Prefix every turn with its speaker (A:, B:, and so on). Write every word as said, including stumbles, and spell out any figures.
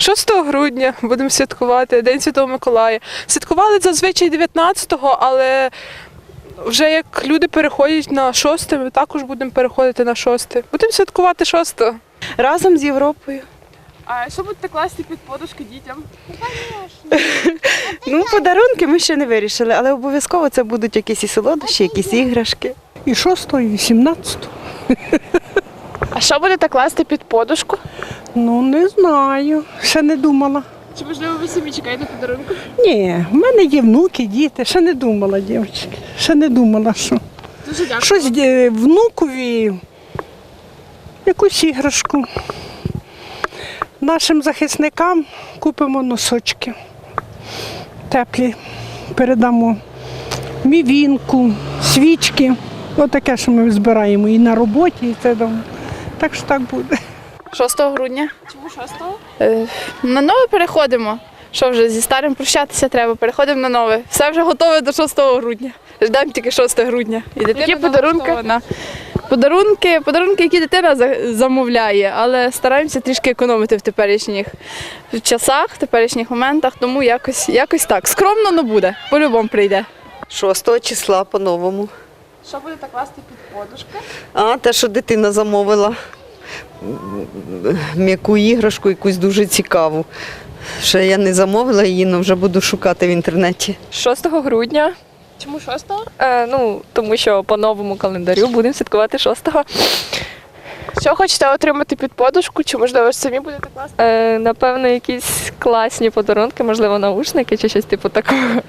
A: шостого грудня будемо святкувати День Святого Миколая. Святкували зазвичай дев'ятнадцятого, але вже як люди переходять на шосте, ми також будемо переходити на шосте. Будемо святкувати шостого.
B: Разом з Європою.
A: А що будете класти під подушки дітям?
B: Ну, подарунки ми ще не вирішили, але обов'язково це будуть якісь і солодощі, якісь іграшки.
C: І шостого, і сімнадцятого.
A: А що будете класти під подушку?
C: Ну, не знаю, ще не думала.
A: Чи можливо ви самі чекаєте подарунку?
C: Ні, в мене є внуки, діти, ще не думала, дівчатки. Ще не думала, що.
A: Дуже дякую.
C: Щось е, внукові, якусь іграшку. Нашим захисникам купимо носочки теплі, передамо мівінку, свічки. Отаке, що ми збираємо і на роботі, і це дома. Так що так буде.
D: шостого грудня.
A: Чому шостого?
D: Е, на нове переходимо. Що вже зі старим прощатися треба, переходимо на нове. Все вже готове до шостого грудня. Ждемо тільки шостого грудня. І дитина
A: Які подарунки?
D: налаштована. Подарунки, подарунки, які дитина за- замовляє, але стараємося трішки економити в теперішніх часах, в теперішніх моментах, тому якось, якось так. Скромно, але буде. По-любому прийде.
B: шостого числа по-новому.
A: Що будете класти під подушки?
B: А, те, що дитина замовила. М'яку іграшку, якусь дуже цікаву. Ще я не замовила її, але вже буду шукати в інтернеті.
E: шостого грудня,
A: Чому шостого?
E: е, ну, тому що по новому календарю будемо святкувати шостого.
A: Що хочете отримати під подушку, чи можливо ж самі будете класти?
E: Е, напевно, якісь класні подарунки, можливо, наушники чи щось типу такого.